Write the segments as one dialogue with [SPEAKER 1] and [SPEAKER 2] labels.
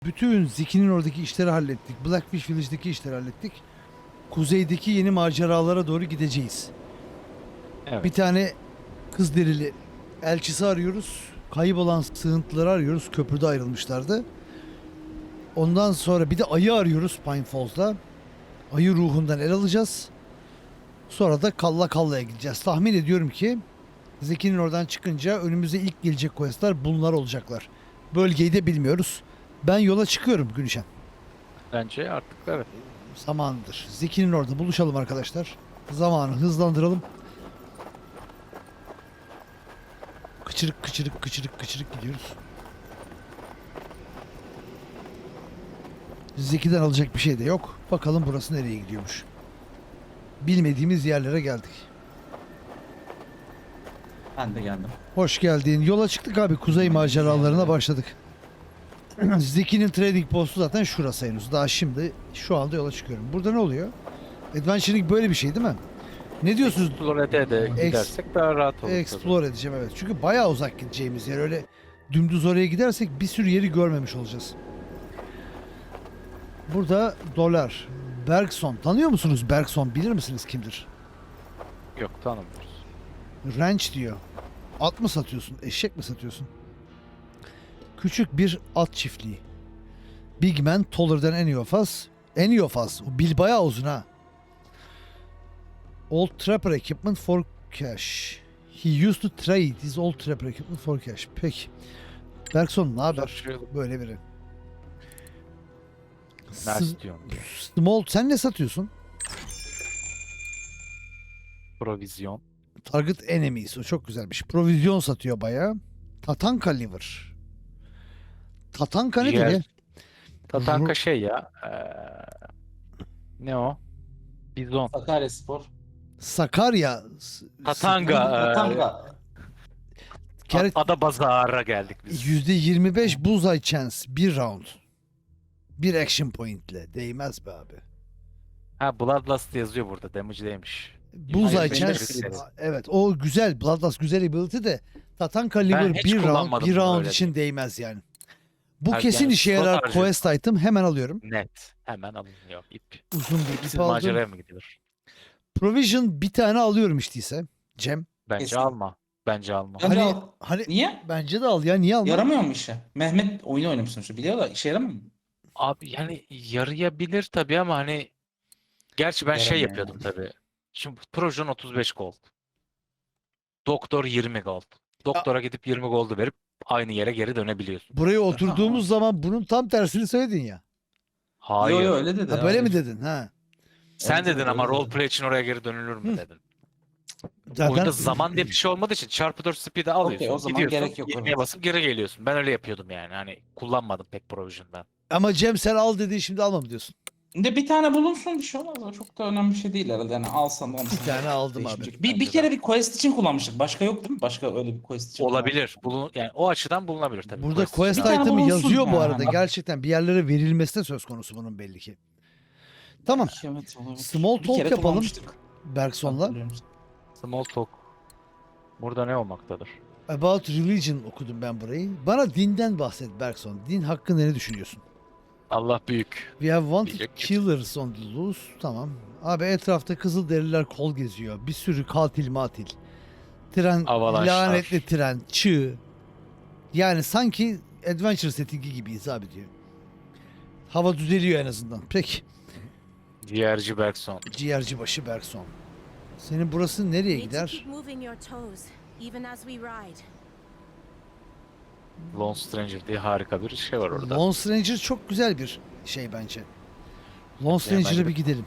[SPEAKER 1] Bütün Zeki'nin oradaki işleri hallettik. Blackfish Village'deki işleri hallettik. Kuzeydeki yeni maceralara doğru gideceğiz.
[SPEAKER 2] Evet.
[SPEAKER 1] Bir tane kız derili elçisi arıyoruz. Kaybolan sığıntıları arıyoruz. Köprüde ayrılmışlardı. Ondan sonra bir de ayı arıyoruz Pine Falls'da. Ayı ruhundan el alacağız. Sonra da Kalla Kalla'ya gideceğiz. Tahmin ediyorum ki Zeki'nin oradan çıkınca önümüze ilk gelecek questler bunlar olacaklar. Bölgeyi de bilmiyoruz. Ben yola çıkıyorum Gülşen.
[SPEAKER 2] Bence artık evet.
[SPEAKER 1] Zamanıdır. Zeki'nin orada buluşalım arkadaşlar. Zamanı hızlandıralım. Kıçırık kıçırık kıçırık kıçırık gidiyoruz. Zeki'den alacak bir şey de yok. Bakalım burası nereye gidiyormuş. Bilmediğimiz yerlere geldik.
[SPEAKER 3] Ben de geldim.
[SPEAKER 1] Hoş geldin. Yola çıktık abi. Kuzey maceralarına başladık. Zeki'nin trading postu zaten şurası henüz. Daha şimdi şu anda yola çıkıyorum. Burada ne oluyor? Adventuring böyle bir şey değil mi? Ne diyorsunuz?
[SPEAKER 2] Explore'de de gidersek daha rahat olur.
[SPEAKER 1] Explore edeceğim evet. Çünkü bayağı uzak gideceğimiz yer. Öyle dümdüz oraya gidersek bir sürü yeri görmemiş olacağız. Burada dolar. Bergson. Tanıyor musunuz Bergson? Bilir misiniz kimdir?
[SPEAKER 2] Tabii. Yok, tanımıyoruz.
[SPEAKER 1] Ranch diyor. At mı satıyorsun? Eşek mi satıyorsun? Küçük bir at çiftliği. Big man taller than any of us. Any of us. O bil bayağı uzun ha. Old trapper equipment for cash. He used to trade his old trapper equipment for cash. Peki. Bergson ne haber?
[SPEAKER 2] Satışıyordum.
[SPEAKER 1] Böyle biri.
[SPEAKER 2] Ne
[SPEAKER 1] S-
[SPEAKER 2] istiyorsun diye.
[SPEAKER 1] Small sen ne satıyorsun?
[SPEAKER 2] Provizyon.
[SPEAKER 1] Target enemies. O çok güzelmiş. Provizyon satıyor bayağı. Tatanka liver. Tatanka nedir
[SPEAKER 2] Ciğer.
[SPEAKER 1] ya?
[SPEAKER 2] Tatanka şey ya. Ne o? Bizon.
[SPEAKER 3] Sakaryaspor.
[SPEAKER 1] Sakarya.
[SPEAKER 2] Tatanga.
[SPEAKER 3] Tatanga.
[SPEAKER 1] Kere
[SPEAKER 2] Ada Bazar'a geldik biz.
[SPEAKER 1] %25 bullseye chance. Bir round. Bir action pointle. Değmez be abi.
[SPEAKER 2] Ha, Bloodlust yazıyor burada. Damage'deymiş.
[SPEAKER 1] Bullseye
[SPEAKER 3] Hayır,
[SPEAKER 1] chance.
[SPEAKER 3] benim de-
[SPEAKER 1] Evet o güzel. Bloodlust güzel ability de Tatanka liver
[SPEAKER 2] hiç
[SPEAKER 1] bir round.
[SPEAKER 2] kullanmadım
[SPEAKER 1] Bir
[SPEAKER 2] bunu,
[SPEAKER 1] round
[SPEAKER 2] öyle
[SPEAKER 1] için değmez yani. Bu
[SPEAKER 2] Ha,
[SPEAKER 1] kesin
[SPEAKER 2] yani
[SPEAKER 1] işe
[SPEAKER 2] slot
[SPEAKER 1] yarar
[SPEAKER 2] harcıyor.
[SPEAKER 1] quest item. Hemen alıyorum.
[SPEAKER 2] Net. Hemen alınıyor. İp.
[SPEAKER 1] Uzun bir ip
[SPEAKER 2] Siz
[SPEAKER 1] aldım.
[SPEAKER 2] maceraya mı gidilir?
[SPEAKER 1] Provision bir tane alıyorum işteyse. Cem.
[SPEAKER 2] Bence
[SPEAKER 3] Kesin.
[SPEAKER 2] alma. Bence alma.
[SPEAKER 3] Bence
[SPEAKER 1] Hani
[SPEAKER 3] al.
[SPEAKER 1] hani
[SPEAKER 3] Niye?
[SPEAKER 1] bence de al ya niye alma?
[SPEAKER 3] Yaramıyor mu işe? Mehmet oyunu oynamış sonuçta. Biliyor da işe yaramıyor mu?
[SPEAKER 2] Abi yani yarayabilir tabii ama hani gerçi ben şey
[SPEAKER 3] Yaramıyor
[SPEAKER 2] yapıyordum tabii. Şimdi Projon 35 gold. Doktor 20 gold. Doktora gidip 20 gold'u verip aynı yere geri dönebiliyorsun.
[SPEAKER 1] Buraya oturduğumuz zaman bunun tam tersini söyledin ya.
[SPEAKER 2] Hayır.
[SPEAKER 3] Yo öyle dedi.
[SPEAKER 1] Ha, böyle
[SPEAKER 3] hayır.
[SPEAKER 1] mi dedin? Ha.
[SPEAKER 2] Sen
[SPEAKER 3] Evet,
[SPEAKER 2] dedin
[SPEAKER 3] evet,
[SPEAKER 2] ama
[SPEAKER 3] öyle dedi.
[SPEAKER 2] roleplay için oraya geri dönülür mü
[SPEAKER 1] Hı.
[SPEAKER 2] dedin.
[SPEAKER 1] Zaten
[SPEAKER 2] Oyunda zaman diye bir şey olmadığı için çarpı 4 speed'i alıyorsun.
[SPEAKER 3] Okey, o zaman
[SPEAKER 2] gidiyorsun,
[SPEAKER 3] gerek yok,
[SPEAKER 2] 20'ye
[SPEAKER 3] evet.
[SPEAKER 2] basıp geri geliyorsun. Ben öyle yapıyordum yani. Hani kullanmadım pek Provision'dan.
[SPEAKER 1] ama Cem sen al dediği şimdi alma mı diyorsun?
[SPEAKER 3] De bir tane bulunsun bir şey olmaz. O çok da önemli bir şey değil herhalde. Yani alsan olmasan.
[SPEAKER 1] Bir tane aldım abi.
[SPEAKER 3] değişmeyecek.
[SPEAKER 2] Bence
[SPEAKER 3] Bir
[SPEAKER 2] de.
[SPEAKER 3] kere bir quest için kullanmıştık. Başka yok değil mi? Başka öyle bir quest için
[SPEAKER 2] Olabilir. Yani o açıdan bulunabilir tabii.
[SPEAKER 1] Burada
[SPEAKER 2] için.
[SPEAKER 1] quest
[SPEAKER 3] Bir tane
[SPEAKER 1] item'ı
[SPEAKER 3] bulunsun
[SPEAKER 1] yazıyor bu
[SPEAKER 3] yani.
[SPEAKER 1] arada. Gerçekten bir yerlere verilmesi de söz konusu bunun belli ki. Tamam.
[SPEAKER 3] Evet, olabilir.
[SPEAKER 1] Small
[SPEAKER 3] Bir
[SPEAKER 1] talk
[SPEAKER 3] kere
[SPEAKER 1] yapalım.
[SPEAKER 3] kullanmıştık.
[SPEAKER 1] Bergson'la.
[SPEAKER 3] Hatırlıyorum.
[SPEAKER 2] Small talk. Burada ne olmaktadır?
[SPEAKER 1] About Religion okudum ben burayı. Bana dinden bahset Bergson. Din hakkında ne düşünüyorsun?
[SPEAKER 2] Allah büyük.
[SPEAKER 1] We have wanted
[SPEAKER 2] Diyecek.
[SPEAKER 1] killers on the loose. Tamam. Abi etrafta kızılderililer kol geziyor. Bir sürü katil matil. Tren,
[SPEAKER 2] Avalanşlar.
[SPEAKER 1] lanetli tren, çığ. Yani sanki adventure settingi gibiyiz abi diyor. Hava düzeliyor en azından. Peki.
[SPEAKER 2] Ciğerci Bergson.
[SPEAKER 1] Ciğerci başı Bergson. Senin burası nereye
[SPEAKER 4] Need to
[SPEAKER 1] gider?
[SPEAKER 4] keep moving your toes, even as we ride.
[SPEAKER 2] Lone Stranger diye harika bir şey var orada.
[SPEAKER 1] Lone Stranger çok güzel bir şey bence. Lone
[SPEAKER 2] bence
[SPEAKER 1] Stranger'a
[SPEAKER 2] de.
[SPEAKER 1] bir gidelim.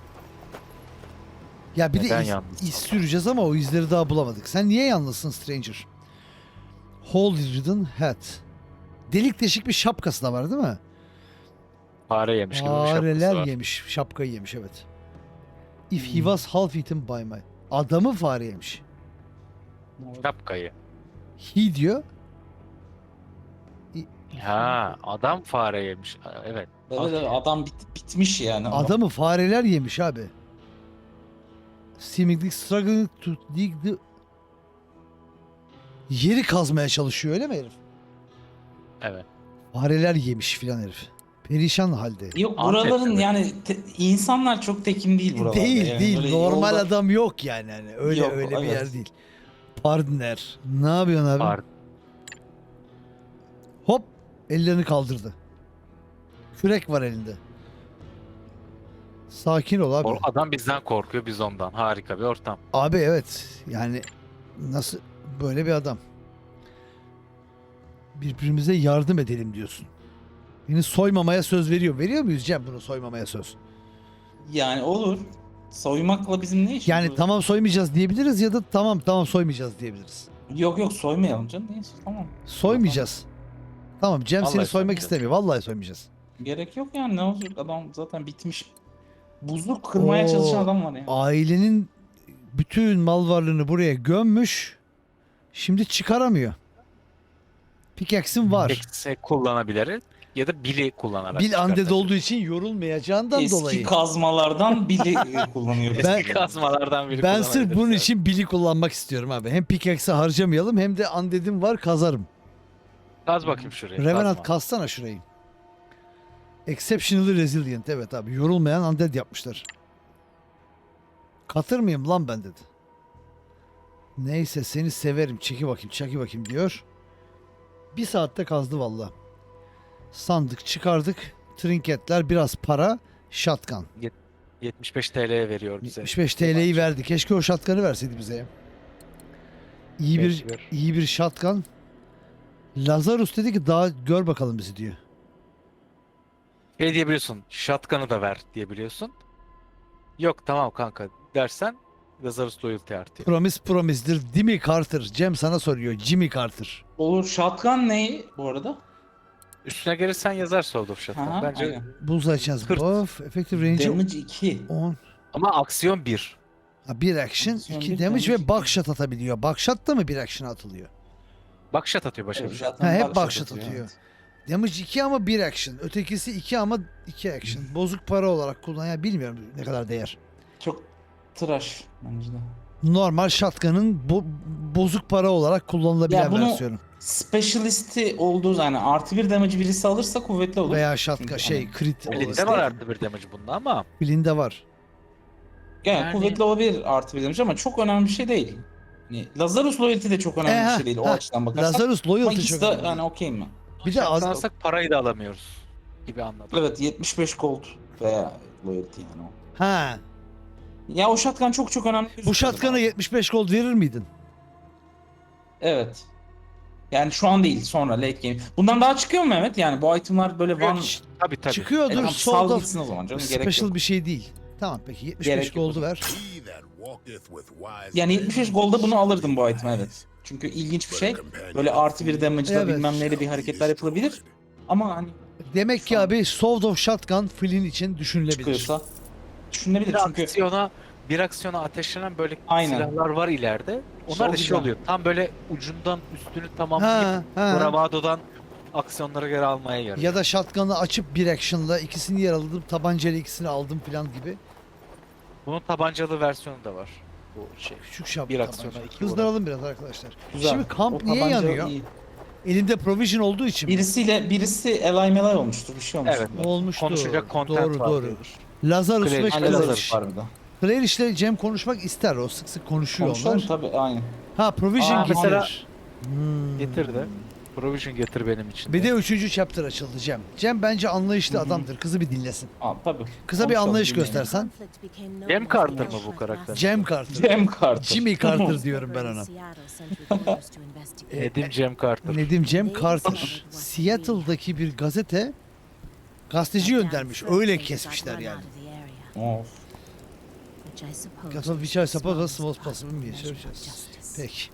[SPEAKER 1] Ya bir
[SPEAKER 2] Neden
[SPEAKER 1] de
[SPEAKER 2] yalnızsın?
[SPEAKER 1] iz süreceğiz ama o izleri daha bulamadık. Sen niye yalnızsın Stranger? Hole Ridden Hat. Delik deşik bir şapkası da var değil mi?
[SPEAKER 2] Fare yemiş gibi bir şapkası
[SPEAKER 1] Fareler
[SPEAKER 2] var.
[SPEAKER 1] yemiş. Şapkayı yemiş evet. If he was half eaten by my. Adamı fare yemiş.
[SPEAKER 2] Şapkayı.
[SPEAKER 1] He diyor.
[SPEAKER 2] Ha, adam fare yemiş. Evet.
[SPEAKER 3] Evet, adam bitmiş yani.
[SPEAKER 1] Adamı fareler yemiş abi. Seemingly struggling to dig the... Yeri kazmaya çalışıyor öyle mi herif?
[SPEAKER 2] Evet.
[SPEAKER 1] Fareler yemiş filan herif. Perişan halde.
[SPEAKER 3] Yok
[SPEAKER 2] Antep'te
[SPEAKER 3] buraların
[SPEAKER 2] mi?
[SPEAKER 3] yani insanlar çok tekin değil buralarda.
[SPEAKER 1] Değil
[SPEAKER 3] yani.
[SPEAKER 1] değil.
[SPEAKER 3] Böyle
[SPEAKER 1] Normal
[SPEAKER 3] yolda-
[SPEAKER 1] adam yok yani. Hani öyle
[SPEAKER 3] Yok,
[SPEAKER 1] öyle bir
[SPEAKER 3] evet.
[SPEAKER 1] yer değil. Partner. Ne yapıyorsun abi?
[SPEAKER 2] Var.
[SPEAKER 1] Hop. Ellerini kaldırdı. Kürek var elinde. Sakin ol abi.
[SPEAKER 2] O adam bizden korkuyor, biz ondan. Harika bir ortam.
[SPEAKER 1] Abi evet. Yani nasıl böyle bir adam. Birbirimize yardım edelim diyorsun. Beni soymamaya söz veriyor. Veriyor muyuz Cem bunu soymamaya söz?
[SPEAKER 3] Yani olur. Soymakla bizim ne işimiz
[SPEAKER 1] Yani
[SPEAKER 3] var?
[SPEAKER 1] tamam soymayacağız diyebiliriz ya da tamam soymayacağız diyebiliriz.
[SPEAKER 3] Yok soymayalım canım. Neyse tamam.
[SPEAKER 1] Soymayacağız. Tamam Cem seni
[SPEAKER 2] Vallahi
[SPEAKER 1] soymak
[SPEAKER 2] soymayacağız.
[SPEAKER 1] istemiyor. Vallahi soymayacağız.
[SPEAKER 3] Gerek yok yani ne olacak adam zaten bitmiş. Buzluk kırmaya çalışan
[SPEAKER 1] Oo,
[SPEAKER 3] adam var ya.
[SPEAKER 1] Ailenin bütün mal varlığını buraya gömmüş. Şimdi çıkaramıyor. Pickaxe'in var.
[SPEAKER 2] Eksi kullanabilir ya da bili kullanarak.
[SPEAKER 1] Bil undead
[SPEAKER 2] çıkartabilir.
[SPEAKER 1] olduğu için yorulmayacağından
[SPEAKER 3] Eski
[SPEAKER 1] dolayı.
[SPEAKER 3] kazmalardan biri kullanıyoruz.
[SPEAKER 1] Ben-
[SPEAKER 2] Eski kazmalardan biri
[SPEAKER 1] Ben sırf bunun
[SPEAKER 2] kullanabilirse.
[SPEAKER 1] için Bill'i kullanmak istiyorum abi. Hem pickaxe'i harcamayalım hem de undead'im var kazarım.
[SPEAKER 2] Kaz bakayım şuraya.
[SPEAKER 1] Revenant
[SPEAKER 2] kazma.
[SPEAKER 1] kassana şurayı. Exceptionally resilient. Evet abi yorulmayan undead yapmışlar. Katır mıyım lan ben dedi. Neyse seni severim. Çeki bakayım diyor. Bir saatte kazdı valla. Sandık çıkardık. Trinketler biraz para. Shotgun.
[SPEAKER 2] 75 TL'ye veriyor bize.
[SPEAKER 1] 75 TL'yi verdi. Keşke o shotgun'ı verseydi bize ya.
[SPEAKER 2] Mecbur.
[SPEAKER 1] İyi bir shotgun. Lazarus dedi ki daha gör bakalım bizi diyor.
[SPEAKER 2] Şey diyebiliyorsun. Shotgun'ı da ver diyebiliyorsun. Yok tamam kanka dersen Lazarus loyalty artıyor.
[SPEAKER 1] Promise'dir. Jimmy Carter. Cem sana soruyor. Jimmy Carter.
[SPEAKER 3] Olur shotgun ne bu arada?
[SPEAKER 2] Üstüne gelirsen yazar Sword of Shotgun.
[SPEAKER 3] Aha,
[SPEAKER 2] Bence
[SPEAKER 3] aynen.
[SPEAKER 1] Bullseye chance
[SPEAKER 2] Kırt.
[SPEAKER 1] buff. Effective range
[SPEAKER 3] Damage 2.
[SPEAKER 1] 10.
[SPEAKER 2] ama aksiyon 1.
[SPEAKER 1] Ha, bir action,
[SPEAKER 3] Aksiyon
[SPEAKER 1] 2
[SPEAKER 3] bir,
[SPEAKER 1] damage
[SPEAKER 3] damage
[SPEAKER 1] ve buckshot atabiliyor. Buckshot da mı bir action atılıyor?
[SPEAKER 2] Bakşat atıyor başa bir.
[SPEAKER 1] Ha, hep buckshot atıyor. Damage 2 ama bir action. Ötekisi 2 ama 2 action. Bozuk para olarak kullan. Ya bilmiyorum ne kadar değer.
[SPEAKER 3] Çok tıraş bence de.
[SPEAKER 1] Normal shotgun'ın bozuk para olarak kullanılabilen
[SPEAKER 3] Ya bunu-
[SPEAKER 1] versiyonu.
[SPEAKER 3] Specialist'i olduğu yani artı bir damage birisi alırsa kuvvetli olur.
[SPEAKER 1] Veya shotgun
[SPEAKER 3] Çünkü
[SPEAKER 1] şey
[SPEAKER 3] hani-
[SPEAKER 1] crit
[SPEAKER 3] Elinde
[SPEAKER 1] olarak.
[SPEAKER 2] Elinde var artı bir damage bunda ama
[SPEAKER 1] Blinde var.
[SPEAKER 3] Yani kuvvetli olabilir artı bir damage ama çok önemli bir şey değil. Yani Lazarus loyalty de çok önemli bir şey değil o açıdan bakarsak.
[SPEAKER 1] Lazarus
[SPEAKER 3] Ama
[SPEAKER 1] loyalty
[SPEAKER 3] ikisi
[SPEAKER 1] çok
[SPEAKER 3] de
[SPEAKER 1] önemli.
[SPEAKER 3] yani okey mi?
[SPEAKER 1] Bir de az,
[SPEAKER 2] alsak parayı da alamıyoruz gibi anladım.
[SPEAKER 3] Evet 75 gold veya loyalty yani o.
[SPEAKER 1] ha,
[SPEAKER 3] Ya o shotgun çok önemli.
[SPEAKER 1] bu
[SPEAKER 3] gözüküyor
[SPEAKER 1] shotgun'a
[SPEAKER 3] bana.
[SPEAKER 1] 75 gold verir miydin?
[SPEAKER 3] Evet. Yani şu an değil sonra late game. Bundan daha çıkıyor mu Mehmet? Yani bu itemlar böyle one...
[SPEAKER 2] Tabii tabii.
[SPEAKER 1] Çıkıyordur.
[SPEAKER 3] Tamam,
[SPEAKER 1] Sold
[SPEAKER 3] sal
[SPEAKER 1] of
[SPEAKER 3] gitsin o zaman canım gerek
[SPEAKER 1] special
[SPEAKER 3] yok.
[SPEAKER 1] bir şey değil. Tamam peki 75
[SPEAKER 3] Gerek yok
[SPEAKER 1] gold'u
[SPEAKER 3] o
[SPEAKER 1] ver.
[SPEAKER 3] Yani 75 golda bunu alırdım bu item evet. Çünkü ilginç bir şey. Böyle artı bir damage'la
[SPEAKER 1] Evet.
[SPEAKER 3] bilmem neyle bir hareketler yapılabilir. Ama hani
[SPEAKER 1] Demek ki abi Sword of Shotgun Flynn için düşünülebilir.
[SPEAKER 3] çıkıyorsa düşünülebilir
[SPEAKER 2] Bir
[SPEAKER 3] çünkü
[SPEAKER 2] bir aksiyona ateşlenen böyle
[SPEAKER 3] Aynen.
[SPEAKER 2] silahlar var ileride. Onlar
[SPEAKER 3] Çok
[SPEAKER 2] da şey
[SPEAKER 3] güzel.
[SPEAKER 2] oluyor. Tam böyle ucundan üstünü
[SPEAKER 1] Ha,
[SPEAKER 2] tamamlayıp
[SPEAKER 1] ha.
[SPEAKER 2] Bravado'dan aksiyonlara göre almaya yarıyor.
[SPEAKER 1] Ya da shotgun'ı açıp bir action'la ikisini yer aldım, tabancayla ikisini aldım falan gibi.
[SPEAKER 2] Bunun tabancalı versiyonu da var. Bu şey.
[SPEAKER 1] Küçük şap
[SPEAKER 2] Bir
[SPEAKER 1] tabanca.
[SPEAKER 2] aksiyona iki
[SPEAKER 1] Hızlanalım biraz arkadaşlar.
[SPEAKER 3] güzel.
[SPEAKER 1] Şimdi kamp
[SPEAKER 3] O
[SPEAKER 1] niye
[SPEAKER 3] tabanca
[SPEAKER 1] yanıyor?
[SPEAKER 3] iyi.
[SPEAKER 1] Elinde provision olduğu için mi?
[SPEAKER 3] Birisi elay melay olmuştur bir şey olmuştur.
[SPEAKER 2] Evet.
[SPEAKER 1] Olmuştu.
[SPEAKER 2] Konuşacak content
[SPEAKER 1] Doğru
[SPEAKER 2] var
[SPEAKER 1] doğru.
[SPEAKER 2] diyordur.
[SPEAKER 1] Lazarus ve
[SPEAKER 2] Clay-
[SPEAKER 3] Hani Lazarus
[SPEAKER 1] Clarish.
[SPEAKER 3] var bir de.
[SPEAKER 1] Clarish ile Cem konuşmak ister. O sık sık konuşuyor
[SPEAKER 3] Konuşalım
[SPEAKER 1] onlar.
[SPEAKER 3] tabii aynı.
[SPEAKER 1] Ha provision
[SPEAKER 3] Aa,
[SPEAKER 1] getirir.
[SPEAKER 2] mesela-
[SPEAKER 1] Hmm.
[SPEAKER 2] Getir de. Provision getir benim için.
[SPEAKER 1] Bir de 3. chapter açıldı Cem. Cem bence anlayışlı
[SPEAKER 3] Hı hı.
[SPEAKER 1] adamdır. Kızı bir dinlesin.
[SPEAKER 3] Aa tabii.
[SPEAKER 1] Kıza bir
[SPEAKER 3] Konuşalım,
[SPEAKER 1] anlayış
[SPEAKER 3] dinleyelim.
[SPEAKER 1] göstersen.
[SPEAKER 2] Cem Carter mı bu karakter?
[SPEAKER 1] Cem Carter.
[SPEAKER 3] Cem Carter.
[SPEAKER 1] Jimmy Carter diyorum ben ona.
[SPEAKER 2] Nedim Cem Carter.
[SPEAKER 1] Nedim Cem Carter. Seattle'daki bir gazete gazeteci göndermiş. Öyle kesmişler yani.
[SPEAKER 3] Of.
[SPEAKER 1] Got of which I suppose was most possible bir şey. Peki.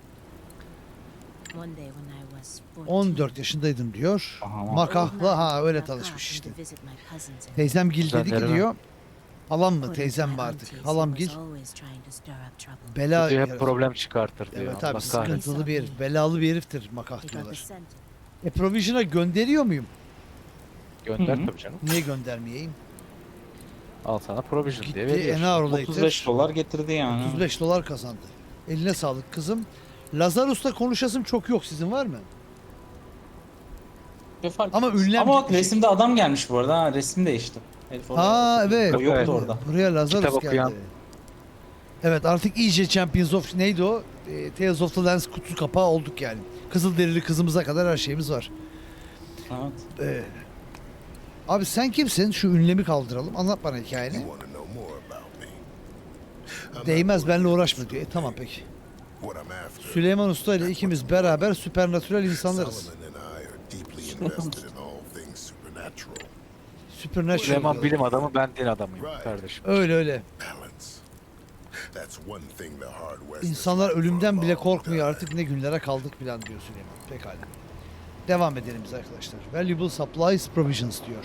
[SPEAKER 1] 14 yaşındaydım diyor.
[SPEAKER 3] Aha.
[SPEAKER 1] Makahla ha öyle tanışmış işte. Teyzemgil dedi ki
[SPEAKER 2] Güzel,
[SPEAKER 1] diyor. Halam mı teyzem mi artık? Halamgil bela
[SPEAKER 2] Diyor, hep
[SPEAKER 1] yaratır.
[SPEAKER 2] problem çıkartır diyor.
[SPEAKER 1] Evet
[SPEAKER 2] Allah
[SPEAKER 1] abi
[SPEAKER 2] kahretsin.
[SPEAKER 1] sıkıntılı bir herif. Belalı bir heriftir makah diyorlar. Provision'a gönderiyor muyum?
[SPEAKER 2] Gönder
[SPEAKER 3] Hı hı.
[SPEAKER 2] tabii canım.
[SPEAKER 1] Niye göndermeyeyim?
[SPEAKER 2] Al sana provision diye
[SPEAKER 1] Gitti
[SPEAKER 2] veriyor.
[SPEAKER 1] an hour later
[SPEAKER 3] 35 dolar getirdi yani.
[SPEAKER 1] 35 dolar kazandı. Eline sağlık kızım. Lazarus'la konuşasım çok yok. Sizin var mı?
[SPEAKER 3] Bir fark
[SPEAKER 1] Ama
[SPEAKER 3] etmez.
[SPEAKER 1] ünlem
[SPEAKER 3] Ama bak
[SPEAKER 1] gitmiş.
[SPEAKER 3] resimde adam gelmiş bu arada. Ha, resim değişti. Herif orada
[SPEAKER 1] Ha
[SPEAKER 3] oturdu.
[SPEAKER 1] evet.
[SPEAKER 3] O yoktu
[SPEAKER 2] Evet.
[SPEAKER 3] orada.
[SPEAKER 1] Buraya Lazarus
[SPEAKER 2] Kitap
[SPEAKER 1] geldi.
[SPEAKER 2] okuyan.
[SPEAKER 1] Evet artık iyice Champions of neydi o? Tales of the Lens kutu kapağı olduk yani. Kızılderili kızımıza kadar her şeyimiz var.
[SPEAKER 3] Evet.
[SPEAKER 1] Abi sen kimsin? Şu ünlemi kaldıralım. Anlat bana hikayeni.
[SPEAKER 5] You want to know more about me? I'm
[SPEAKER 1] Değmez
[SPEAKER 5] not
[SPEAKER 1] benimle
[SPEAKER 5] worried
[SPEAKER 1] uğraşma
[SPEAKER 5] about
[SPEAKER 1] diyor.
[SPEAKER 5] you.
[SPEAKER 1] Tamam peki.
[SPEAKER 5] What I'm after.
[SPEAKER 1] Süleyman Usta ile ikimiz beraber süpernatürel insanlarız.
[SPEAKER 5] Solomon and I are deeply invested in all things supernatural.
[SPEAKER 1] Supernatural.
[SPEAKER 2] Süleyman
[SPEAKER 1] diyor.
[SPEAKER 2] bilim adamı, ben din adamıyım kardeşim.
[SPEAKER 1] Öyle öyle.
[SPEAKER 5] Balance. That's one thing the hard West has
[SPEAKER 1] İnsanlar
[SPEAKER 5] lacked for a
[SPEAKER 1] ölümden bile
[SPEAKER 5] long
[SPEAKER 1] korkmuyor
[SPEAKER 5] time.
[SPEAKER 1] artık ne günlere kaldık filan diyor Süleyman. Pekala. Devam edelim biz arkadaşlar. Valuable supplies provisions diyor.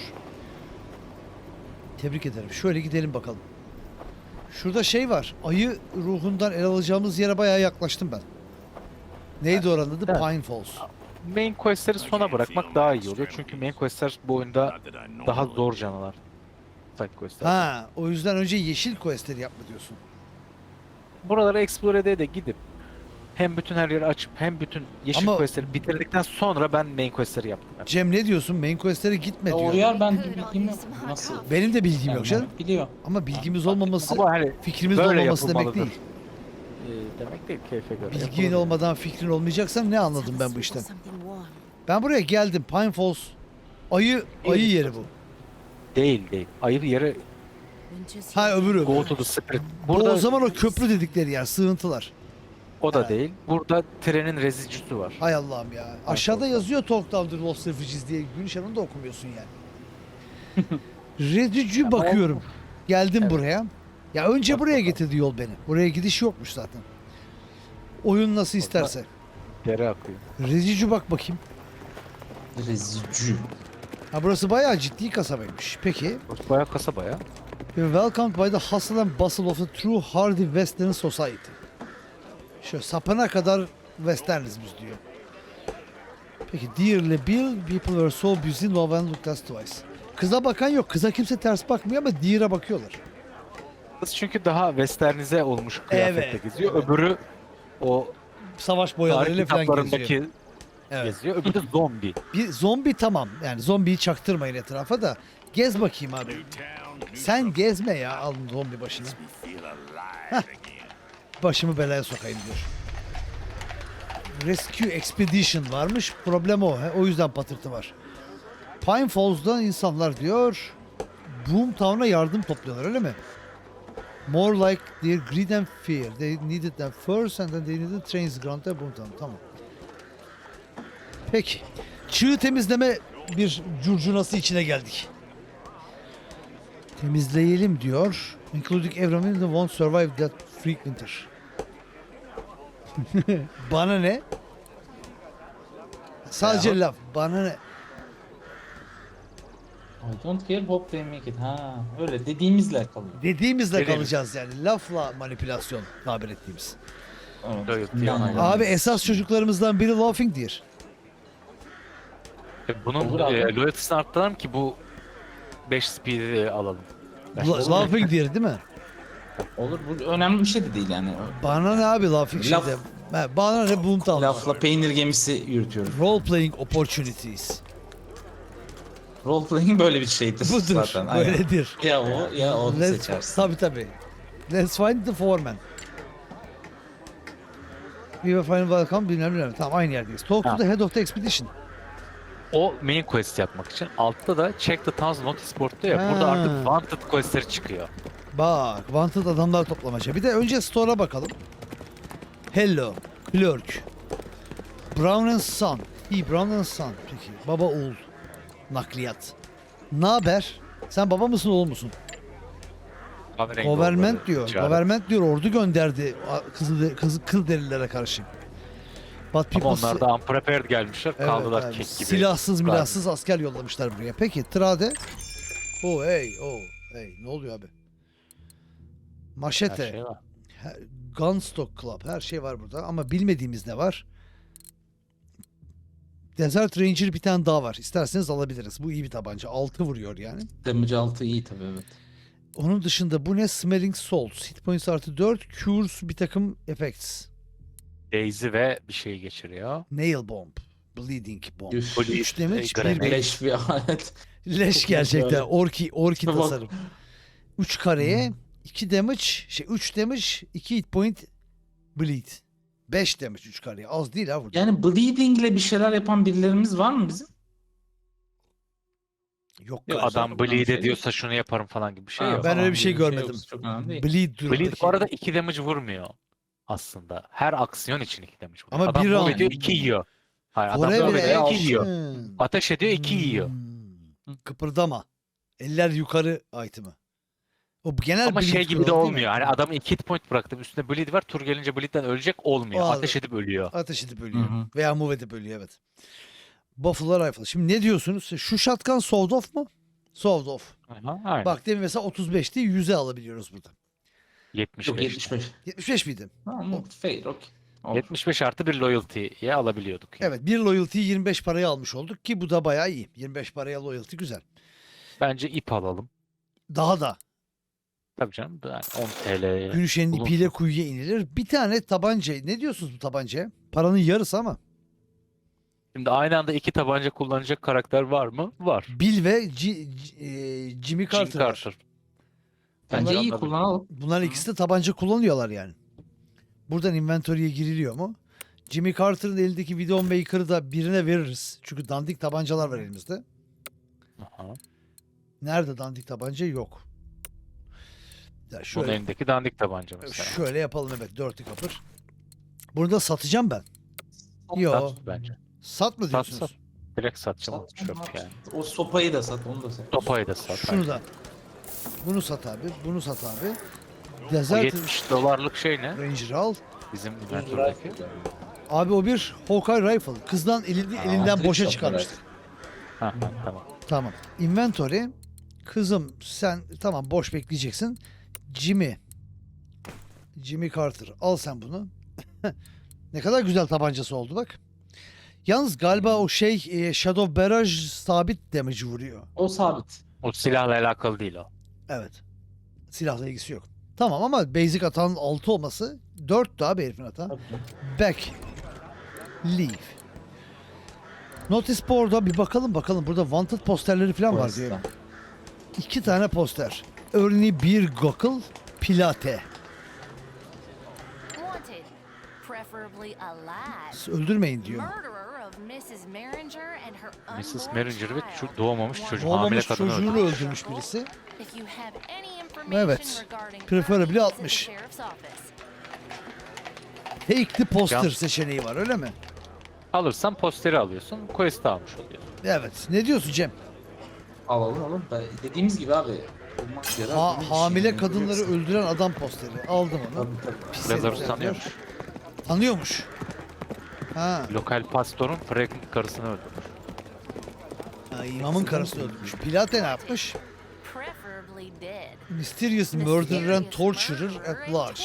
[SPEAKER 1] Tebrik ederim. Şöyle gidelim bakalım. Şurada şey var. Ayı ruhundan el alacağımız yere bayağı yaklaştım ben. Neydi oranın adı?
[SPEAKER 2] Evet.
[SPEAKER 1] Pine Falls.
[SPEAKER 2] Main questleri sona bırakmak daha iyi oluyor. Çünkü main questler bu oyunda daha zor canavar. Side questler.
[SPEAKER 1] Ha, o yüzden önce yeşil questleri yapma diyorsun.
[SPEAKER 2] Buraları explore ede de gidip hem bütün her yeri açıp hem bütün yeşil
[SPEAKER 1] Ama-
[SPEAKER 2] questleri bitirdikten sonra ben main questleri yaptım. Yani.
[SPEAKER 1] Cem ne diyorsun? Main questlere gitme
[SPEAKER 3] Ya
[SPEAKER 1] diyor.
[SPEAKER 3] Uyar ben bilgim yok. Nasıl?
[SPEAKER 1] Benim de bilgim yok
[SPEAKER 3] Yani
[SPEAKER 1] canım.
[SPEAKER 3] biliyor.
[SPEAKER 1] Ama bilgimiz olmaması,
[SPEAKER 2] Ama hani
[SPEAKER 1] fikrimiz
[SPEAKER 2] böyle
[SPEAKER 1] olmaması demek
[SPEAKER 2] yapılmalıdır.
[SPEAKER 1] değil.
[SPEAKER 2] Demek değil, keyfe göre.
[SPEAKER 1] Bilgin
[SPEAKER 2] yapılabilir.
[SPEAKER 1] olmadan fikrin olmayacaksa ne anladım ben bu işten? Ben buraya geldim. Pine Falls. Ayı yeri bu.
[SPEAKER 2] Değil değil. Ayır yeri
[SPEAKER 1] Ha öbürü.
[SPEAKER 2] go to the spirit.
[SPEAKER 1] Bu
[SPEAKER 2] Burada
[SPEAKER 1] o zaman o köprü dedikleri yer. Sığıntılar.
[SPEAKER 2] o da
[SPEAKER 1] Ha.
[SPEAKER 2] değil. Burada trenin rezicisi var.
[SPEAKER 1] Hay Allah'ım ya. Aşağıda yazıyor Talk Down the Lost Refugees diye. Gülşen onu da okumuyorsun yani. Redücü bakıyorum. Geldim
[SPEAKER 2] Evet.
[SPEAKER 1] buraya. Ya önce
[SPEAKER 2] Bak
[SPEAKER 1] buraya
[SPEAKER 2] bakalım.
[SPEAKER 1] getirdi yol beni. Buraya gidiş yokmuş zaten. Oyun nasıl isterse.
[SPEAKER 2] Dere akıyor.
[SPEAKER 1] Redücü bak bakayım.
[SPEAKER 3] Rezicü.
[SPEAKER 1] Ha burası bayağı ciddi kasabaymış. Peki.
[SPEAKER 2] Burası bayağı kasaba ya.
[SPEAKER 1] You're welcomed by the hustle and bustle of the true hardy western society. Şöyle sapına kadar westerniz biz diyor. Peki dearly Bill, people were so busy no one looked us twice. Kıza bakan yok. Kıza kimse ters bakmıyor ama Deer'a bakıyorlar.
[SPEAKER 2] Kız çünkü daha westernize olmuş kıyafette
[SPEAKER 1] Evet,
[SPEAKER 2] geziyor.
[SPEAKER 1] evet.
[SPEAKER 2] Öbürü o
[SPEAKER 1] Savaş
[SPEAKER 2] tarih
[SPEAKER 1] boyalarıyla falan geziyor.
[SPEAKER 2] kitaplarındaki
[SPEAKER 1] Evet.
[SPEAKER 2] geziyor. Öbürü de zombi.
[SPEAKER 1] Bir zombi tamam. Yani zombiyi çaktırmayın etrafa da. Gez bakayım abi. Sen gezme ya. Alın zombi başını. Heh. Başımı belaya sokayım diyor. Rescue Expedition varmış. Problem o. O yüzden patırtı var. Pine Falls'da insanlar diyor Boomtown'a yardım topluyorlar öyle mi? More like their greed and fear. They needed them first and then they needed trains granted Boomtown. Tamam. Peki. Çığ temizleme bir curcunası içine geldik. Temizleyelim diyor. Including everyone that won't survive that freak winter. Bana ne? Sadece laf. Bana ne?
[SPEAKER 3] I don't care hope they make it. Ha öyle dediğimizle kalıyor.
[SPEAKER 1] Dediğimizle
[SPEAKER 2] Dediğimiz.
[SPEAKER 1] kalacağız yani. Lafla manipülasyon tabir ettiğimiz.
[SPEAKER 3] Evet.
[SPEAKER 2] Evet,
[SPEAKER 3] Yani.
[SPEAKER 1] Abi esas çocuklarımızdan biri Laughing Deer.
[SPEAKER 2] Bunun
[SPEAKER 3] Olur abi.
[SPEAKER 2] loyaltısını arttıralım ki bu 5 speed'i alalım.
[SPEAKER 1] Laughing Deer değil mi?
[SPEAKER 3] Olur bu önemli bir şey de değil yani.
[SPEAKER 1] Bana ne abi Laughing
[SPEAKER 3] Laf-
[SPEAKER 1] şeyde? Bana ne Boomtown.
[SPEAKER 3] Lafla peynir gemisi yürütüyoruz.
[SPEAKER 1] Role playing opportunities.
[SPEAKER 3] Role playing böyle bir şeydir
[SPEAKER 1] Budur.
[SPEAKER 3] zaten. Aynen.
[SPEAKER 1] Böyledir.
[SPEAKER 3] Ya o ya onu seçersin.
[SPEAKER 1] Tabii tabii. Let's find the foreman. We will find welcome bilmem. Tamam aynı yerdeyiz. Talk to
[SPEAKER 2] Ha.
[SPEAKER 1] the head of the expedition.
[SPEAKER 2] O main quest yapmak için. Altta da check the town's notice board'ta ya. Burada
[SPEAKER 1] Ha.
[SPEAKER 2] artık wanted questleri çıkıyor.
[SPEAKER 1] Bak, wanted adamlar toplamaca. Bir de önce store'a bakalım. Hello, clerk. Brown and Son. İyi, Brown and Son. Peki, baba oğul. Nakliyat. Ne haber? Sen baba mısın oğul musun?
[SPEAKER 2] Kahverengi
[SPEAKER 1] Government
[SPEAKER 2] olmalı,
[SPEAKER 1] diyor.
[SPEAKER 2] ticaret.
[SPEAKER 1] Government diyor ordu gönderdi kıl derilere karşı. But
[SPEAKER 2] Ama
[SPEAKER 1] people
[SPEAKER 2] onlar da unprepared gelmişler.
[SPEAKER 1] Evet,
[SPEAKER 2] kaldılar
[SPEAKER 1] evet.
[SPEAKER 2] kek gibi.
[SPEAKER 1] Silahsız milahsız asker yollamışlar buraya. Peki Trade. Hey ne oluyor abi?
[SPEAKER 2] Her
[SPEAKER 1] Maşete.
[SPEAKER 2] şey var.
[SPEAKER 1] Gunstock Club her şey var burada ama bilmediğimiz ne var? Desert Ranger bir tane daha var. İsterseniz alabiliriz. Bu iyi bir tabanca. 6 vuruyor yani.
[SPEAKER 3] Damage altı iyi tabii evet.
[SPEAKER 1] Onun dışında bu ne? Smelling Salts. Hit points artı 4. Cures bir takım effects.
[SPEAKER 2] Daisy ve bir şey geçiriyor.
[SPEAKER 1] Nail Bomb. Bleeding Bomb.
[SPEAKER 3] Üf.
[SPEAKER 1] 3 damage,
[SPEAKER 2] Grenade.
[SPEAKER 1] 1
[SPEAKER 3] Leş bir alet.
[SPEAKER 1] leş
[SPEAKER 3] Çok
[SPEAKER 1] gerçekten.
[SPEAKER 3] güzel.
[SPEAKER 1] Orki
[SPEAKER 3] Bak.
[SPEAKER 1] tasarım. 3 kareye 2 damage, 3 damage, 2 hit point bleed. 5 damage 3 kareye. Az değil ha burada.
[SPEAKER 3] Yani bleeding ile bir şeyler yapan birilerimiz var mı bizim?
[SPEAKER 1] Yok
[SPEAKER 3] Yok,
[SPEAKER 1] galiba.
[SPEAKER 2] Adam
[SPEAKER 3] Önemli
[SPEAKER 2] bleed
[SPEAKER 3] şey
[SPEAKER 2] ediyorsa şunu yaparım falan gibi bir şey
[SPEAKER 3] Ha,
[SPEAKER 2] yok.
[SPEAKER 1] Ben
[SPEAKER 3] tamam,
[SPEAKER 1] öyle bir şey
[SPEAKER 3] yok,
[SPEAKER 1] görmedim.
[SPEAKER 3] çok önemli değil.
[SPEAKER 1] Bleed durumdaki.
[SPEAKER 2] Bleed bu arada 2 damage vurmuyor aslında. Her aksiyon için 2 damage vuruyor.
[SPEAKER 1] Ama
[SPEAKER 2] Adam
[SPEAKER 1] bir
[SPEAKER 2] move
[SPEAKER 1] round.
[SPEAKER 2] ediyor 2 yiyor. Hayır adam
[SPEAKER 1] Forever
[SPEAKER 2] move ediyor 2
[SPEAKER 3] action.
[SPEAKER 2] yiyor. Ateş ediyor 2 yiyor.
[SPEAKER 1] Kıpırdama. Eller yukarı item'ı. O genel
[SPEAKER 2] Ama
[SPEAKER 1] bleed
[SPEAKER 2] şey gibi de
[SPEAKER 1] kuralı değil mi?
[SPEAKER 2] olmuyor. Hani adamı 2 hit point bıraktım. Üstünde bleed var. Tur gelince bleed'den ölecek olmuyor.
[SPEAKER 1] Aa,
[SPEAKER 2] Ateş edip ölüyor.
[SPEAKER 1] Ateş edip ölüyor.
[SPEAKER 3] Hı hı.
[SPEAKER 1] Veya move edip ölüyor, evet. Buffalo Rifle. Şimdi ne diyorsunuz? Şu shotgun sold off mu? Sold off.
[SPEAKER 2] Aha, aynen.
[SPEAKER 1] Bak demin mesela 35'ti, 100'e alabiliyoruz burada.
[SPEAKER 2] 75.
[SPEAKER 3] Yok 75.
[SPEAKER 1] 75 miydi?
[SPEAKER 3] Tamam, fair, okey. Olur.
[SPEAKER 2] 75 artı bir loyalty'ye alabiliyorduk. Yani.
[SPEAKER 1] Evet, bir loyalty'yi 25 paraya almış olduk ki bu da bayağı iyi. 25 paraya loyalty güzel.
[SPEAKER 2] Bence ip alalım.
[SPEAKER 1] Daha da
[SPEAKER 2] Tabii canım. Yani 10 TL'ye.
[SPEAKER 1] Gülüşen'in
[SPEAKER 2] bulunsun.
[SPEAKER 1] ipiyle kuyuya inilir. Bir tane tabanca. Ne diyorsunuz bu tabancaya? Paranın yarısı ama.
[SPEAKER 2] Şimdi aynı anda 2 tabanca kullanacak karakter var mı? Var.
[SPEAKER 1] Bill ve Jimmy
[SPEAKER 2] Jim
[SPEAKER 1] Carter var.
[SPEAKER 2] Carter.
[SPEAKER 3] Bence
[SPEAKER 2] Bence
[SPEAKER 3] iyi
[SPEAKER 2] anladım.
[SPEAKER 3] kullanalım.
[SPEAKER 1] Bunların ikisi de tabanca kullanıyorlar yani. Buradan inventory'e giriliyor mu? Jimmy Carter'ın elindeki Widowmaker'ı da birine veririz. Çünkü dandik tabancalar var elimizde.
[SPEAKER 2] Aha.
[SPEAKER 1] Nerede dandik tabanca? Yok. Ya
[SPEAKER 2] Bunun
[SPEAKER 1] şöyle,
[SPEAKER 2] elindeki dandik tabanca mesela.
[SPEAKER 1] şöyle yapalım, evet. Dirty Copper. Bunu da satacağım ben. Yo.
[SPEAKER 2] Sat bence.
[SPEAKER 1] Sat mı
[SPEAKER 2] Sat,
[SPEAKER 1] diyorsunuz?
[SPEAKER 2] sat. Direkt satacağım.
[SPEAKER 3] Sat,
[SPEAKER 2] Çöp
[SPEAKER 3] sat.
[SPEAKER 2] yani.
[SPEAKER 3] O sopayı da sat, onu da sat.
[SPEAKER 2] Topayı da sat.
[SPEAKER 1] Şunu da. Bunu sat abi. Bunu sat abi.
[SPEAKER 2] O
[SPEAKER 1] Desert
[SPEAKER 2] 70 dolarlık şey ne?
[SPEAKER 1] Ranger'ı al.
[SPEAKER 2] Bizim inventordaki.
[SPEAKER 1] Abi o bir Hawkeye Rifle. Kızdan elinden
[SPEAKER 3] trick
[SPEAKER 1] boşa
[SPEAKER 3] shot
[SPEAKER 1] çıkarmıştık.
[SPEAKER 2] Ha, tamam.
[SPEAKER 1] Tamam. Inventory. Kızım sen tamam boş bekleyeceksin. Jimmy Carter. Al sen bunu. Ne kadar güzel tabancası oldu bak. Yalnız galiba o Shadow Barrage sabit damage vuruyor.
[SPEAKER 3] O sabit.
[SPEAKER 2] O silahla alakalı değil o.
[SPEAKER 1] Evet. Silahla ilgisi yok. Tamam ama basic hatanın 6 olması 4'tü abi herifin hata.
[SPEAKER 3] Tabii.
[SPEAKER 1] Back. Leave. Notice board'a bir bakalım. Burada wanted posterleri falan var diyor. 2 tane poster. Örneğin bir Gokul Pilate.
[SPEAKER 4] Wanted, preferably alive.
[SPEAKER 1] Öldürmeyin diyor.
[SPEAKER 4] Murderer of Mrs. Maringer and her
[SPEAKER 2] Mrs.
[SPEAKER 4] unborn
[SPEAKER 2] Maringer ve
[SPEAKER 4] child.
[SPEAKER 2] doğmamış çocuğu, hamile
[SPEAKER 1] Doğmamış
[SPEAKER 2] kadını
[SPEAKER 1] çocuğunu
[SPEAKER 2] öldürmüş.
[SPEAKER 1] öldürmüş birisi.
[SPEAKER 4] If you have any information
[SPEAKER 1] Evet.
[SPEAKER 4] regarding
[SPEAKER 1] Preferably
[SPEAKER 4] her, visit
[SPEAKER 1] 60.
[SPEAKER 4] the sheriff's office.
[SPEAKER 1] Take the poster
[SPEAKER 2] Can-
[SPEAKER 1] seçeneği var öyle mi?
[SPEAKER 2] Alırsan posteri alıyorsun. Quest'i almış oluyorsun.
[SPEAKER 1] Evet. Ne diyorsun Cem?
[SPEAKER 3] Alalım. Dediğimiz gibi abi. olmaz ya da böyle bir
[SPEAKER 1] Hamile
[SPEAKER 3] şey
[SPEAKER 1] kadınları
[SPEAKER 3] yapacaksın.
[SPEAKER 1] öldüren adam posteri. Aldım onu.
[SPEAKER 3] Tabii.
[SPEAKER 1] Pis
[SPEAKER 2] Lazarus
[SPEAKER 1] herifler
[SPEAKER 2] tanıyormuş.
[SPEAKER 1] diyor. Tanıyormuş. Ha.
[SPEAKER 2] Lokal pastorun pregnant karısını öldürmüş.
[SPEAKER 1] Ha, imamın karısını öldürmüş. Pilate ne yapmış?
[SPEAKER 4] Preferably dead.
[SPEAKER 1] Mysterious murderer and torturer at large.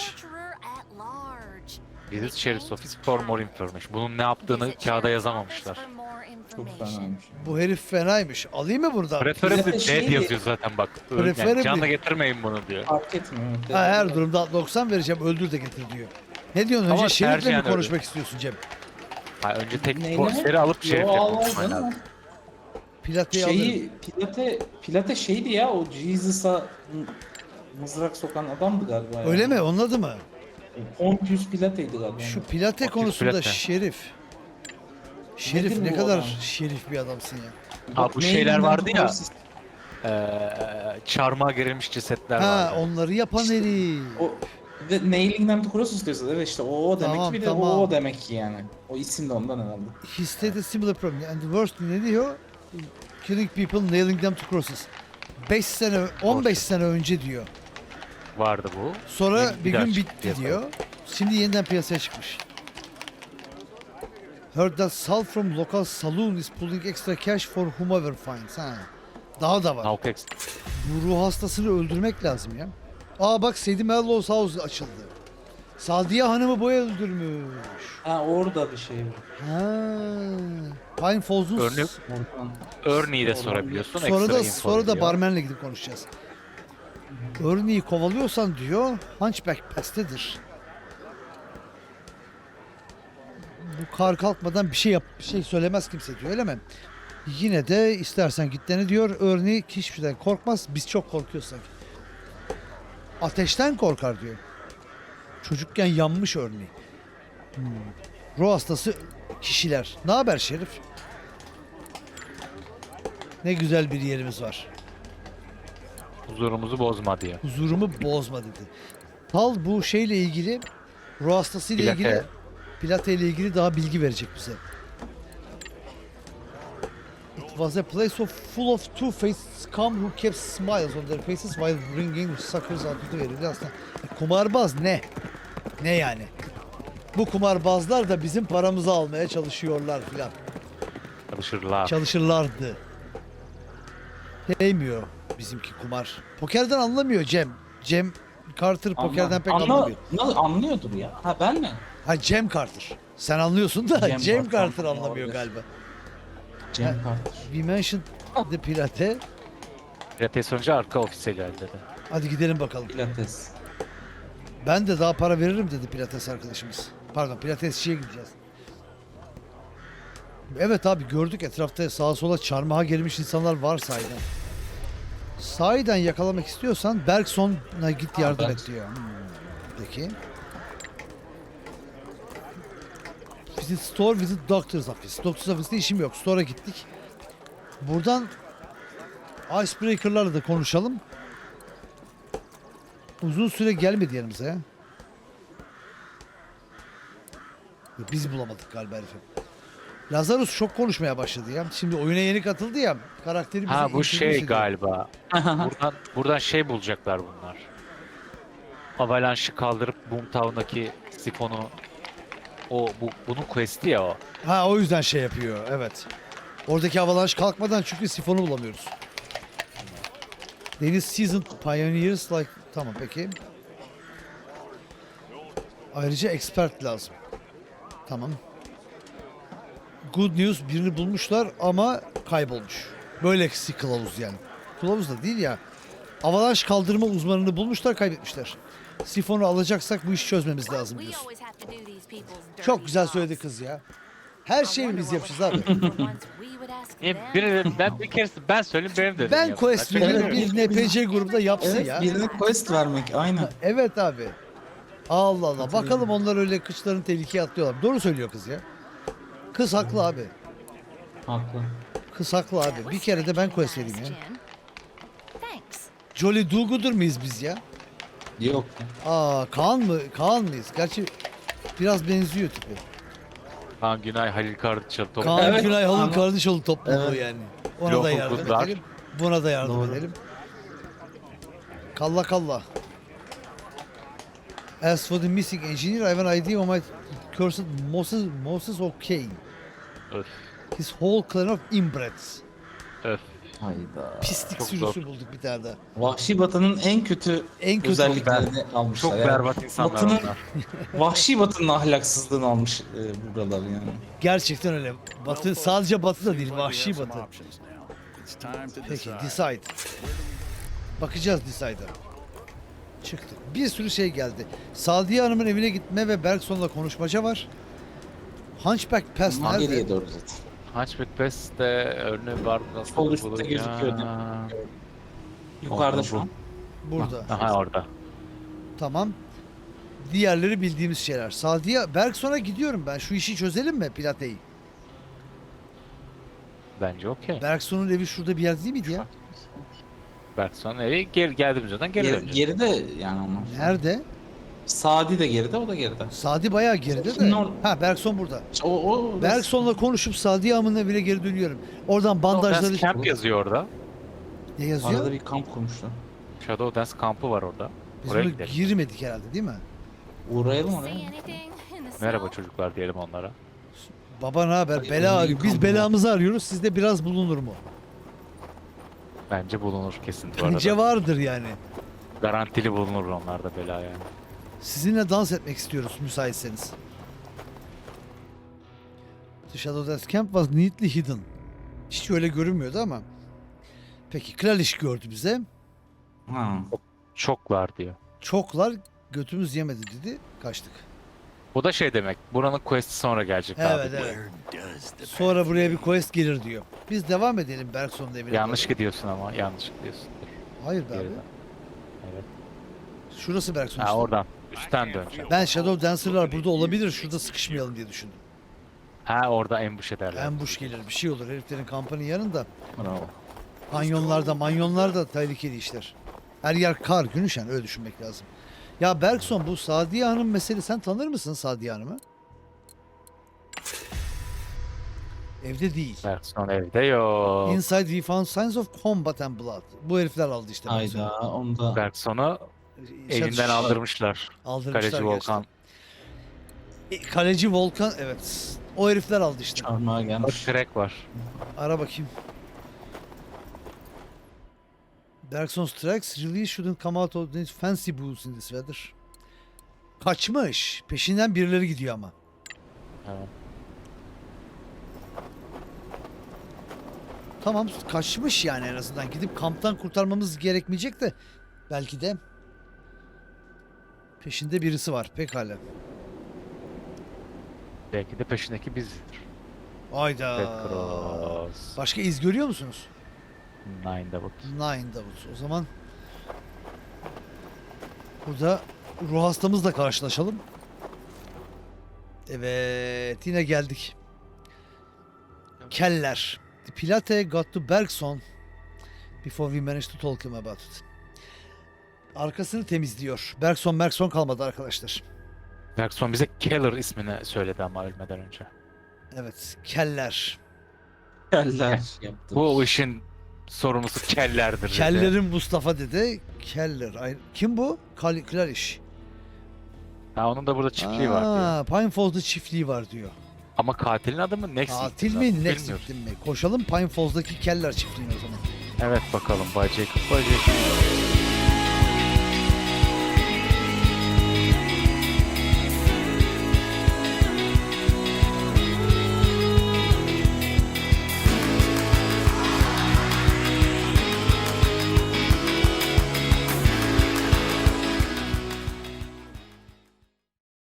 [SPEAKER 2] Visit Sheriff's Office for more information. Bunun ne yaptığını kağıda yazamamışlar.
[SPEAKER 3] Çok fenaymış.
[SPEAKER 1] Bu herif fenaymış. Alayım mı burada?
[SPEAKER 2] Preferably
[SPEAKER 3] Bize de şey
[SPEAKER 2] dead
[SPEAKER 3] diye-
[SPEAKER 2] yazıyor zaten bak.
[SPEAKER 1] Preferably-
[SPEAKER 2] Yani canla getirmeyin bunu diyor.
[SPEAKER 3] Fark etmiyor.
[SPEAKER 1] Ha, her durumda 90 vereceğim, öldür de getir diyor. Ne diyorsun?
[SPEAKER 2] Ama
[SPEAKER 1] Önce şerifle mi
[SPEAKER 2] tercihen
[SPEAKER 1] konuşmak istiyorsun Cem?
[SPEAKER 2] Ha, önce tek
[SPEAKER 3] Neyle?
[SPEAKER 2] posteri alıp
[SPEAKER 3] Yo,
[SPEAKER 2] şerifle
[SPEAKER 3] al,
[SPEAKER 2] konuşman
[SPEAKER 3] al, al.
[SPEAKER 2] lazım.
[SPEAKER 1] Pilate'yi alırım.
[SPEAKER 3] Pilate şeydi ya, o Jesus'a mızrak sokan adamdı galiba.
[SPEAKER 1] Öyle mi? Onun adı mı?
[SPEAKER 3] Pontius Pilate'ydi galiba.
[SPEAKER 1] Şu Pilate
[SPEAKER 2] Pontius
[SPEAKER 1] konusunda
[SPEAKER 2] Pilate.
[SPEAKER 1] şerif. Şerif
[SPEAKER 3] Nedir
[SPEAKER 1] ne
[SPEAKER 3] bu
[SPEAKER 1] kadar
[SPEAKER 3] adam?
[SPEAKER 1] şerif bir adamsın ya.
[SPEAKER 2] Ha, bu
[SPEAKER 3] Neyden
[SPEAKER 2] şeyler vardı ya.
[SPEAKER 3] tuberculosis-
[SPEAKER 2] Çarmıha gerilmiş cesetler
[SPEAKER 1] Ha,
[SPEAKER 2] vardı.
[SPEAKER 1] onları yapan herif.
[SPEAKER 3] O de Nailing'den Tuberculosis diyorsa evet işte o demek
[SPEAKER 1] Tamam,
[SPEAKER 3] ki bir de
[SPEAKER 1] tamam.
[SPEAKER 3] o demek ki yani. O isim de ondan herhalde.
[SPEAKER 1] He stated similar problem. And the worst ne diyor? Killing people, nailing them to crosses. 5 sene, 15 sene önce diyor.
[SPEAKER 2] Vardı bu.
[SPEAKER 1] Sonra bir
[SPEAKER 2] daha
[SPEAKER 1] gün
[SPEAKER 2] çıktı
[SPEAKER 1] bitti
[SPEAKER 2] piyasaya.
[SPEAKER 1] diyor. Şimdi yeniden piyasaya çıkmış. Heard that Sal from local saloon is pulling extra cash for whomever finds. Ha. Daha da var.
[SPEAKER 2] Nalkex.
[SPEAKER 1] Bu ruh hastasını öldürmek lazım ya. Aa bak Sadie Melrose House açıldı. Sadiye Hanım'ı bu öldürmüş.
[SPEAKER 3] Ha orada bir şey var.
[SPEAKER 1] Ha. Pine Falls'un
[SPEAKER 2] Örnek-
[SPEAKER 3] Oradan.
[SPEAKER 2] Örneği de sorabiliyorsun.
[SPEAKER 1] sonra
[SPEAKER 2] ekstra
[SPEAKER 1] da
[SPEAKER 2] info
[SPEAKER 1] sonra da
[SPEAKER 2] veriyor.
[SPEAKER 1] barmenle gidip konuşacağız. Örneği kovalıyorsan diyor Hunchback Pass'tedir. Bu kar kalkmadan bir şey söylemez kimse diyor öyle mi? Yine de istersen git dene diyor. Örneği hiçbir şeyden korkmaz. Biz çok korkuyoruz sanki. Ateşten korkar diyor. Çocukken yanmış örneği. Ruh hastası kişiler. Ne haber Şerif? Ne güzel bir yerimiz var.
[SPEAKER 2] Huzurumuzu bozma diye.
[SPEAKER 1] Huzurumu bozma dedi. Tal bu şeyle ilgili, ruh hastası ile
[SPEAKER 2] Pilate.
[SPEAKER 1] ilgili, Pilate ile ilgili daha bilgi verecek bize. It was a place full of two-faced scum who kept smiles on their faces while bringing suckers out of the verildi aslında. Kumarbaz ne? Ne yani? Bu kumarbazlar da bizim paramızı almaya çalışıyorlar filan.
[SPEAKER 2] Çalışırlar.
[SPEAKER 1] Çalışırlardı. Değmiyor bizimki kumar. Pokerden anlamıyor Cem. Cem Carter pokerden pek anlamıyor.
[SPEAKER 3] Nasıl anlıyordur ya? Ha ben mi?
[SPEAKER 1] Ha Cem Carter. Sen anlıyorsun da Cem,
[SPEAKER 3] Cem
[SPEAKER 1] Carter
[SPEAKER 3] Carter
[SPEAKER 1] anlamıyor
[SPEAKER 3] olabilir.
[SPEAKER 1] galiba.
[SPEAKER 3] Cem Carter.
[SPEAKER 1] We mentioned the Pilate.
[SPEAKER 2] Pilates önce arka ofise geldi dedi.
[SPEAKER 1] Hadi gidelim bakalım.
[SPEAKER 3] Pilates.
[SPEAKER 1] Ben de daha para veririm dedi Pilates arkadaşımız. Pardon Pilatesçiye gideceğiz. Evet abi gördük etrafta sağa sola çarmıha gelmiş insanlar var sahiden. Sahiden yakalamak istiyorsan Bergson'a git yardım et
[SPEAKER 3] Bergson.
[SPEAKER 1] diyor. Peki. Visit store, visit doctor's office. Doctor's office'te işim yok. Store'a gittik. Buradan icebreaker'larla da konuşalım. Uzun süre gelmedi yanımıza ya. Biz bulamadık galiba herifi. Lazarus çok konuşmaya başladı ya. Şimdi oyuna yeni katıldı ya. Karakteri bize
[SPEAKER 2] Ha bu
[SPEAKER 1] introduce
[SPEAKER 2] şey
[SPEAKER 1] ediyor.
[SPEAKER 2] galiba. Buradan şey bulacaklar bunlar. Avalanche'ı kaldırıp Boomtown'daki sifonu bunun quest'i ya o.
[SPEAKER 1] Ha o yüzden şey yapıyor. Evet. Oradaki avalanche kalkmadan çünkü sifonu bulamıyoruz. Deniz seasoned pioneers like tamam peki. Ayrıca expert lazım. Tamam. Good news birini bulmuşlar ama kaybolmuş. Böyle kılavuz yani. Kılavuz da değil ya. Avalanche kaldırma uzmanını bulmuşlar kaybetmişler. Sifonu alacaksak bu işi çözmemiz lazım
[SPEAKER 4] We
[SPEAKER 1] diyorsun.
[SPEAKER 4] always have to do these people's dirty
[SPEAKER 1] Çok güzel
[SPEAKER 4] jobs.
[SPEAKER 1] söyledi kız ya. Her şeyi biz yapacağız abi.
[SPEAKER 4] For once we would ask them.
[SPEAKER 2] Ben bir kere ben söyleyeyim benim dedim.
[SPEAKER 1] Ben
[SPEAKER 2] ya.
[SPEAKER 1] quest
[SPEAKER 2] Çok-
[SPEAKER 1] veriyorum bir NPC grubunda yapsın
[SPEAKER 3] Evet
[SPEAKER 1] ya.
[SPEAKER 3] birine quest vermek aynen.
[SPEAKER 1] Evet abi. Allah Allah. Bakalım onlar öyle kıçlarını tehlikeye atlıyorlar. Doğru söylüyor kız ya. Kız haklı abi.
[SPEAKER 3] Haklı.
[SPEAKER 1] Kız haklı abi. Bir kere de ben quest vereyim ya.
[SPEAKER 4] Jim. Thanks.
[SPEAKER 1] Jolly Do-Gooder mıyız biz ya?
[SPEAKER 3] Yok.
[SPEAKER 1] Aa Kaan mı? Kaan mıyız? Gerçi biraz benziyor tipi.
[SPEAKER 2] Kaan Günay, Halil Kardıçalı top.
[SPEAKER 1] Kaan
[SPEAKER 3] Evet,
[SPEAKER 1] Günay Halın
[SPEAKER 3] ama-
[SPEAKER 1] Kardeşoğlu topluluğu
[SPEAKER 3] Evet.
[SPEAKER 1] yani. Ona da
[SPEAKER 2] Local
[SPEAKER 1] yardım
[SPEAKER 2] Goodlar.
[SPEAKER 1] edelim. Buna da yardım
[SPEAKER 3] Doğru.
[SPEAKER 1] edelim. Kalla kalla. As for the missing engineer, I have an idea on my cursed Moses O'Kane.
[SPEAKER 2] Öf,
[SPEAKER 1] His whole clan of inbreds.
[SPEAKER 2] öf.
[SPEAKER 3] Hayda.
[SPEAKER 1] Pislik
[SPEAKER 2] Çok
[SPEAKER 1] sürüsü bulduk bir tane daha.
[SPEAKER 3] Vahşi Batı'nın en kötü
[SPEAKER 1] En kötü
[SPEAKER 3] özelliklerini almışlar.
[SPEAKER 2] Çok
[SPEAKER 3] yani.
[SPEAKER 2] berbat insanlar
[SPEAKER 3] Batı'nın,
[SPEAKER 2] onlar.
[SPEAKER 3] Vahşi Batı'nın ahlaksızlığını almış buralar yani.
[SPEAKER 1] Gerçekten öyle. Batı sadece Batı da değil, vahşi Batı. Peki, decide. Bakacağız decide'a. Çıktı. Bir sürü şey geldi. Sadiye Hanım'ın evine gitme ve Bergson'la konuşmaca var. Hunchback Pass
[SPEAKER 3] Ama
[SPEAKER 1] nerede?
[SPEAKER 3] geriye doğru zaten.
[SPEAKER 2] Hunchback Pass'te örneği var nasıl
[SPEAKER 3] Sol üstte
[SPEAKER 2] bulacağım?
[SPEAKER 3] gözüküyordu. Yukarıda şu an.
[SPEAKER 1] Burada.
[SPEAKER 2] Aha orada.
[SPEAKER 1] Tamam. Diğerleri bildiğimiz şeyler. Sadiye, Bergson'a gidiyorum ben. Şu işi çözelim mi Pilate'yi?
[SPEAKER 2] Bence okey.
[SPEAKER 1] Bergson'un evi şurada bir yer değil miydi ya?
[SPEAKER 2] Bergson evi geldiğimiz yerden geri döneceğiz.
[SPEAKER 3] Geride yani onlar.
[SPEAKER 1] Nerede?
[SPEAKER 3] Sadi de geride, o da geride.
[SPEAKER 1] Sadi bayağı geride de.
[SPEAKER 3] Şimdi
[SPEAKER 1] Ha Bergson burada.
[SPEAKER 3] O
[SPEAKER 1] Bergson'la konuşup Sadiye Hanım'ın evine geri dönüyorum. Oradan
[SPEAKER 2] Shadow
[SPEAKER 1] bandajları...
[SPEAKER 2] Dance Camp yazıyor orada.
[SPEAKER 1] Ne yazıyor?
[SPEAKER 3] arada bir kamp kurmuşlar.
[SPEAKER 2] Shadow Dance kampı var orada.
[SPEAKER 1] Biz
[SPEAKER 2] Oraya
[SPEAKER 1] ona
[SPEAKER 2] gidelim.
[SPEAKER 1] girmedik herhalde değil mi?
[SPEAKER 3] Uğrayalım
[SPEAKER 4] See
[SPEAKER 3] oraya.
[SPEAKER 4] anything in the
[SPEAKER 2] Merhaba
[SPEAKER 4] snow?
[SPEAKER 2] çocuklar diyelim onlara.
[SPEAKER 1] Baba ne haber?
[SPEAKER 3] Hadi
[SPEAKER 1] Bela
[SPEAKER 3] onu
[SPEAKER 1] arıyor. Biz
[SPEAKER 3] yıkalım.
[SPEAKER 1] belamızı arıyoruz. Sizde biraz bulunur mu?
[SPEAKER 2] Bence bulunur kesin bu arada.
[SPEAKER 1] Bence vardır yani.
[SPEAKER 2] Garantili bulunur onlarda bela yani.
[SPEAKER 1] Sizinle dans etmek istiyoruz müsaitseniz. The Shadow Dance Camp was neatly hidden. Hiç öyle görünmüyordu ama. Peki Klalish gördü bize.
[SPEAKER 3] Ha.
[SPEAKER 2] Çok var diyor.
[SPEAKER 1] Çoklar götümüz yemedi dedi. Kaçtık.
[SPEAKER 2] Bu da şey demek. Buranın quest'i sonra gelecek
[SPEAKER 1] Evet
[SPEAKER 2] abi.
[SPEAKER 1] evet. Sonra buraya bir quest gelir diyor. Biz devam edelim Bergson'un evine.
[SPEAKER 2] Yanlış
[SPEAKER 1] doğru.
[SPEAKER 2] gidiyorsun ama. Yanlış gidiyorsun.
[SPEAKER 1] Hayır be abi.
[SPEAKER 2] Geriden. Evet.
[SPEAKER 1] Şurası Bergson
[SPEAKER 2] Ha
[SPEAKER 1] işte.
[SPEAKER 2] oradan. Üstten döneceğim.
[SPEAKER 1] Ben Shadow Dancer'lar burada olabilir. Şurada sıkışmayalım diye düşündüm.
[SPEAKER 2] Ha orada ambush ederler.
[SPEAKER 1] Ambush gelir bir şey olur. Heriflerin kampanın yanında.
[SPEAKER 3] Bravo.
[SPEAKER 1] Manyonlarda tehlikeli işler. Her yer kar, gün ışan öyle düşünmek lazım. Ya Bergson bu Sadiye Hanım meselesi sen tanır mısın Sadiye Hanım'ı? Evde değil.
[SPEAKER 2] Bergson evde yok.
[SPEAKER 1] Inside we found signs of combat and blood. Bu herifler aldı işte. Bergson'u.
[SPEAKER 3] Hayda onu da
[SPEAKER 2] Bergson'u evinden aldırmışlar.
[SPEAKER 1] aldırmışlar
[SPEAKER 2] Kaleci Volkan.
[SPEAKER 1] gerçekten. Kaleci Volkan evet. O herifler aldı işte.
[SPEAKER 3] çarmıha
[SPEAKER 2] Bak
[SPEAKER 3] gelmiş.
[SPEAKER 2] crack var.
[SPEAKER 1] Ara bakayım. Bergson's tracks really shouldn't come out of these fancy booths in this weather. Kaçmış. Peşinden birileri gidiyor ama.
[SPEAKER 2] Evet.
[SPEAKER 1] Tamam kaçmış yani en azından. Gidip kamptan kurtarmamız gerekmeyecek de. Belki de. Peşinde birisi var. Pekala.
[SPEAKER 2] Belki de peşindeki bizdir.
[SPEAKER 1] Ayda.
[SPEAKER 2] Petros.
[SPEAKER 1] Başka iz görüyor musunuz?
[SPEAKER 2] Nine Davut.
[SPEAKER 1] Nine Davut. O zaman burada ruh hastamızla karşılaşalım. Evet yine geldik. Keller. The Pilate got to Bergson before we managed to talk him about it. Arkasını temizliyor. Bergson kalmadı arkadaşlar.
[SPEAKER 2] Bergson bize Keller ismini söyledi ama ölmeden önce.
[SPEAKER 1] Evet Keller.
[SPEAKER 3] Keller yaptı.
[SPEAKER 2] Bu işin sorumlusu Keller'dir dedi.
[SPEAKER 1] Keller'in Mustafa dedi. Keller. Kim bu? Klariş.
[SPEAKER 2] Ha, onun da burada çiftliği var diyor.
[SPEAKER 1] Pine Falls'da çiftliği var diyor.
[SPEAKER 2] Ama katilin adı mı? Next
[SPEAKER 1] Katil
[SPEAKER 2] Victim
[SPEAKER 1] mi?
[SPEAKER 2] zaten,
[SPEAKER 1] Next
[SPEAKER 2] bilmiyoruz.
[SPEAKER 1] Victim mi? Koşalım Pine Falls'daki Keller çiftliğine o zaman.
[SPEAKER 2] Evet bakalım Bay Jacob. Bay Jacob.